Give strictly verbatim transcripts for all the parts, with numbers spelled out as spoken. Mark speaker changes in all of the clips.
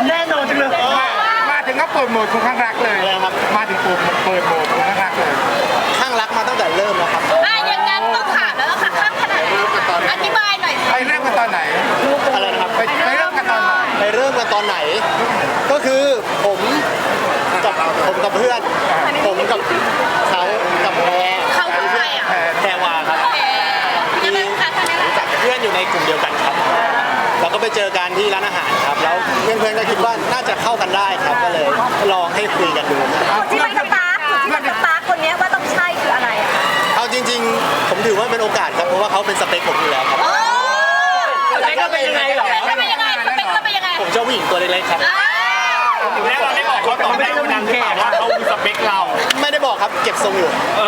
Speaker 1: แน่นอนจังเลย
Speaker 2: มาถึงก็เปิดโหมดคุณข้างรักเลยมาถึงปุ่มเปิดโหมดคุณข้างรักเลย
Speaker 3: ข้างรักมาตั้งแต่เริ่มแล้วครับ
Speaker 4: อ่ะอย่างนั้นต้องถามแล้วล่ะค่ะข้างขนาดไหนอธิบายหน่อยสิ
Speaker 2: ไปเริ่มกันตอนไหน
Speaker 3: อะไรนะครับ
Speaker 2: ไปไปเริ่มกันตอนไหน
Speaker 3: ไปเริ่มกันตอนไหนก็คือผมกับผมกับเพื่อนผมกับเขากับแพร
Speaker 4: เขาคือใครอ่ะ
Speaker 3: แพรวาครับ
Speaker 4: ยังไงคะท่านนี้
Speaker 3: รู้จักเพื่อนอยู่ในกลุ่มเดียวกันครับเราก็ไปเจอกันที่ร้านอาหารครับแล้วเพื่อนๆก็คิดว่าน่าจะเข้ากันได้ครับก็เลยลองให้คุยกันดู
Speaker 5: ที่ไม่สปาร์คที่ไม่สปาร์คคนนี้ว่าต้องใช่คืออะไรอ่ะ
Speaker 3: เอาจริงๆผมถือว่าเป็นโอกาสครับเพราะว่าเขาเป็นสเปคผมอยู่แล้วครับ
Speaker 4: สเปคก็เป็นยังไงหรอสเปคก็เป็นยังไงสเปคก็เป็นยังไง
Speaker 3: ผมชอบผู้หญิงตัวเล็กๆครับ
Speaker 1: แล้วเราได้บอกเขาตอนแรกวันนั้นว่าเขาสเปคเรา
Speaker 3: ไม่ได้บอกครับเก็บทรงอยู่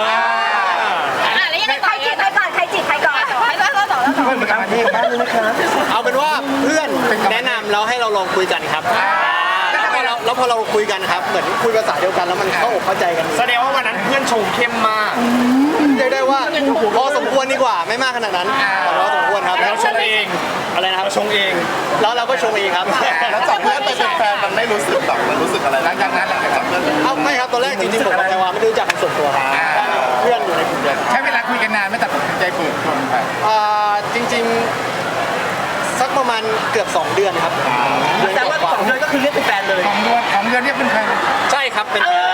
Speaker 5: ใครจีบใครก่อนใครจีบใครก่อน
Speaker 4: ใครก่อนแล้วต่อแล้วต่อ
Speaker 2: เพื่อนเป็นการที่บ้านเลยนะคะ
Speaker 3: เอาเป็นว่าเพื่อนแนะนำแล้วให้เราลองคุยกันครับแล้วพอเราแล้วพอเราคุยกันครับเหมือนคุยภาษาเดียวกันแล้วมันเข้าอกเข้าใจกัน
Speaker 1: แสดงว่าวันนั้นเพื่อนชงเข้มมาก
Speaker 3: เรียกได้ว่าพอสมควรดีกว่าไม่มากขนาดนั้นพอสมควรครับ
Speaker 1: แล้วชงเอง
Speaker 3: อะไรนะครับ
Speaker 1: ชงเอง
Speaker 3: แล้วเราก็ชงเองครับ
Speaker 2: แล้วจับเพื่อนไปเป็นแฟนมันไม่รู้สึกหรอกมันรู้สึกอะไรหลังจากนั้นหลังจากจับเพื่อน
Speaker 3: เอ้าไม่ครับตอนแรกจริงๆผมกับแพรวาไม่ได้รู้จักกันส่วนตัวครับเพื่อนอยู่ในกลุ่มเดียว
Speaker 2: ใช้เวลาคุยกันนานไม่ตัดสินใจเปิดตัวไป
Speaker 3: อ่าจริงๆสักประมาณเกือบสองเดือนครับ
Speaker 1: แต่ว่าสองเดือนก็คือเรียกเป็นแฟนเลย
Speaker 2: สองเดือนสองเดือนเรียกเป็นแฟน
Speaker 3: ใช่ครับเป็นแฟน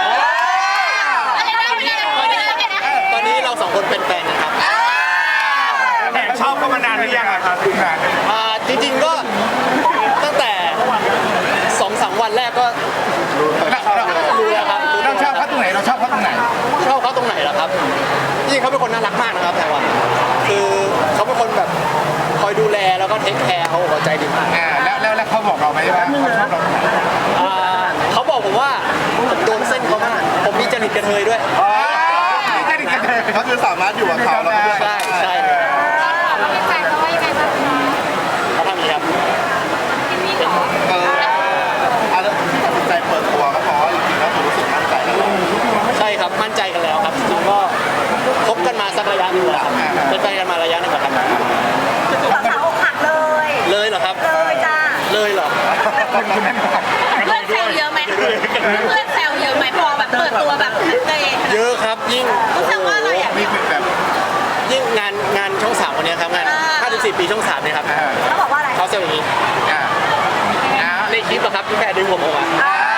Speaker 3: ตอนนี้เราสองคนเป็นแฟนนะครับ
Speaker 1: แอบชอบกันมานานหรือยังครับ
Speaker 2: คุณนาน
Speaker 3: อ่าจริงๆก็ตั้งแต่สองสามวันแรกก็รู้แล้วครับ
Speaker 2: เราชอบเขาตรงไหนเราชอบเขาตรงไหน
Speaker 3: ชอบเขาตรงไหนล่ะครับจริงๆเขาเป็นคนน่ารักมากนะครับแพรวาคือเขาเป็นคนแบบคอยดูแลแล้วก็เทคแคร์เขาหัวใจดีมาก
Speaker 2: แล้วแล้วแล้วเขาบอกเราไหมว่าเขาชอบเราตรงไหน
Speaker 3: เขาบอกผมว่าผมโดนเส้นเขามากผมมีจริตกระเทยด้วย
Speaker 2: เขาคือสามารถอยู่กับเขาแล้ว
Speaker 3: ใช่ใช่
Speaker 4: เขาเป็นแฟนเขาว่ายังไงบ้าง
Speaker 3: เขาทำอย่างนี้ครับ
Speaker 2: เอออะไรตัดสินใจเปิดตัวก็เพราะจริงๆแล้วผมรู้สึกมั่นใจแล้ว
Speaker 3: ใช่ครับมั่นใจกันแล้วครับจริงๆก็คบกันมาสักระยะหนึ่งแล้วครับเป็นแฟนกันมาระยะหนึ่งแล้วครับ
Speaker 5: สาวอกหักเลย
Speaker 3: เลยเหรอครับ
Speaker 5: เลยจ้า
Speaker 3: เลยเหรอ
Speaker 4: เพื่อนแซวเยอะไหมเพื่อนแซวเยอะไหมพอแบบเปิดตัวแบบ
Speaker 3: เยอะครับยิ่ง
Speaker 4: รู้สึกว่าอะไรอ่ะ
Speaker 3: ยิ่งงานงานช่องสามวันนี้ครับงานห้าสิบสี่ปีช่องสามเนี่ยครับ
Speaker 5: เขาบอกว่าอะไร
Speaker 3: เขาเซลล์อย่างนี้ในคลิปอะครับที่แพรดึงผมออกมา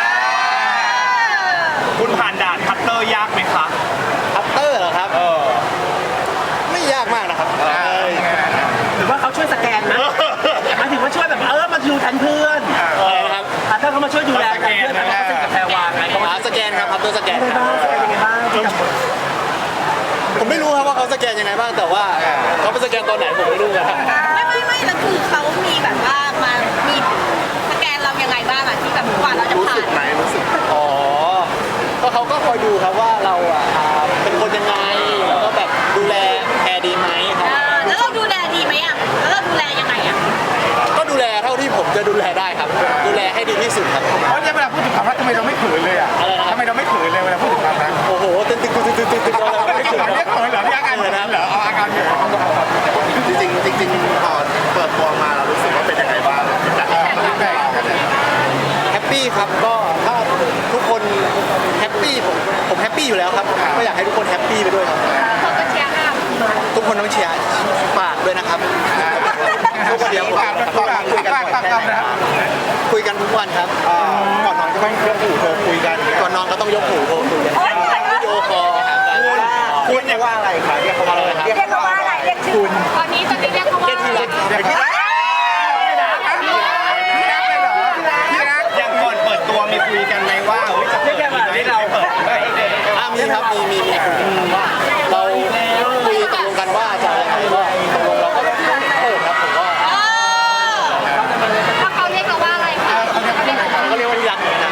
Speaker 1: คุณผ่านด่านคัตเตอร์ยากไหมครับ
Speaker 3: คัตเตอร์เหรอครับไม่ยากมากนะครับ
Speaker 1: หรือว่าเขาช่วยสแกนนะหมายถึงว่าช่วยแบบเออมาดูทันเพื่อน
Speaker 3: ครับ
Speaker 1: ถ้าเขามาช่วยดูแลเพื่อนเขาเป็นกับแพรวาไง
Speaker 3: เขาสแกนครับคัตเตอร์สแกน
Speaker 1: เป็นยังไงบ้าง
Speaker 3: ผมไม่รู้ครับว่าเขาสแกนยังไงบ้างแต่ว่าเขาไปสแกนตอนไหนผมไม่รู้ครับ
Speaker 4: ไม่ไม่ไม่แล้วคือเขามีแบบว่ามามีสแกนเรายังไงบ้างอะที่แบบกว่าเราจะผ่าน
Speaker 2: ไหนรู้สึก
Speaker 3: อ๋อก็เขาก็คอยดูครับว่าเราอ่ะเป็นคนยังไงแล้วก็แบบดูแลแพรดีไหมครับ
Speaker 4: แล้วเราดูแลดีไหมอ่ะแล้วเราดูแลยังไงอ่ะ
Speaker 3: ก็ดูแลเท่าที่ผมจะดูแลได้ครับดูแลให้ดีที่สุดครับ
Speaker 2: เพราะเนี่ยเวลาพูดถึงความรักทำไมเราไม่เขินเลยอ่ะทำไมเราไม่เขินเลยเวลาพูดถึงความรัก
Speaker 3: โอ้โหตึ๊ดตึ๊ดตึ๊ดตึ๊ดตึ๊ดตึ๊ดเรา
Speaker 2: ไม่เขินเรียกเขินเหรอที่อาการเขินเหรอเอาอาการเขินจริงจริงจริงพอเปิดตัวมาเรารู้สึกว่าเป็นยังไงบ้าง
Speaker 3: แฮปปี้ครับก็ถ้าทุกคนแฮปปี้ผมผมแฮปปี้อยู่แล้วครับก็อยากให้ทุกคนแฮปปี้ไปด้วยครับ
Speaker 4: คนก็เชียร์ค่ะ
Speaker 3: ทุกคนต้องเชียร์ฝากด้วยนะครับทุกคนเดียวฝากคุยกันคุยกันทุกวันครับก่อนนอนก็ต้องยกหูโทรคุยกันก่อนนอนก็ต้องยกหูโทรคุยกันวิดีโอคอล
Speaker 2: คุณเรียกว่าอะไรครับเรียกเขาว่าอะไร
Speaker 5: เรียกเขาว่าอะไรเรียกชื่อ
Speaker 4: ตอนนี้ตอนนี้เรียกเขาว่า
Speaker 3: ที่รัก
Speaker 1: อย่างก่อนเปิดตัวมีคุยกันไหมว่าจะเปิดดีไหมเราเปิด
Speaker 3: มีครับมีมีมีว่าเราคุยตกลงกันว่าจะอะไรก็ตกลงเราก็เปิดครับผมว่า
Speaker 4: ถ้าเขาเรียกเราว่าอะไรคะ
Speaker 3: เขาเรียกว่าที่รักนะ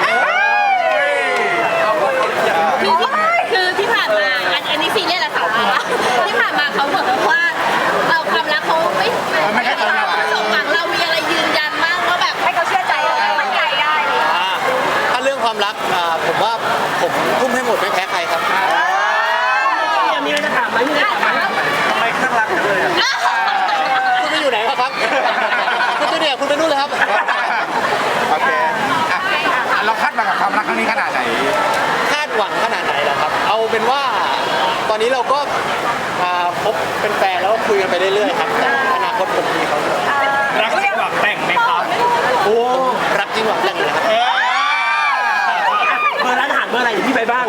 Speaker 4: คือที่ผ่านมาอันนี้ซีเรียสแหละค่ะที่ผ่านมาเขาบอกว่าเราความรักเขาไม่ไม่ได้สมหวังเรามีอะไรยืนยันมากว่าแบบ
Speaker 5: ให้เขาเชื่อใจมั่นใจได้
Speaker 3: ถ้าเรื่องความรักผมว่าผมทุ่มให้หมดไม่แพ้ใครครับ
Speaker 1: มีอะไรจะถามไหมมีอะไรถามไหมทำไมข้างรักเลย
Speaker 3: คุณไปอยู่ไหนครับคุณไปเนี่ยคุณไปนู่นเลยครับ
Speaker 2: โอเคนี้ขนาดไหน
Speaker 3: คาดหวังขนาดไหนล่ะครับ เอาเป็นว่าตอนนี้เราก็อ่าพบเป็นแฟนแล้วก็คุยกันไปเรื่อยๆครับแต่อนาคตผมมีเขาด้วย
Speaker 1: รักจริงหวังแต่งไหมครับโอ้
Speaker 3: รักจริงหวังแต่งเลยครับ
Speaker 1: เบอร์ร้านอาหารเบอร์อะไรเดี๋ยวพี่ไปบ้าน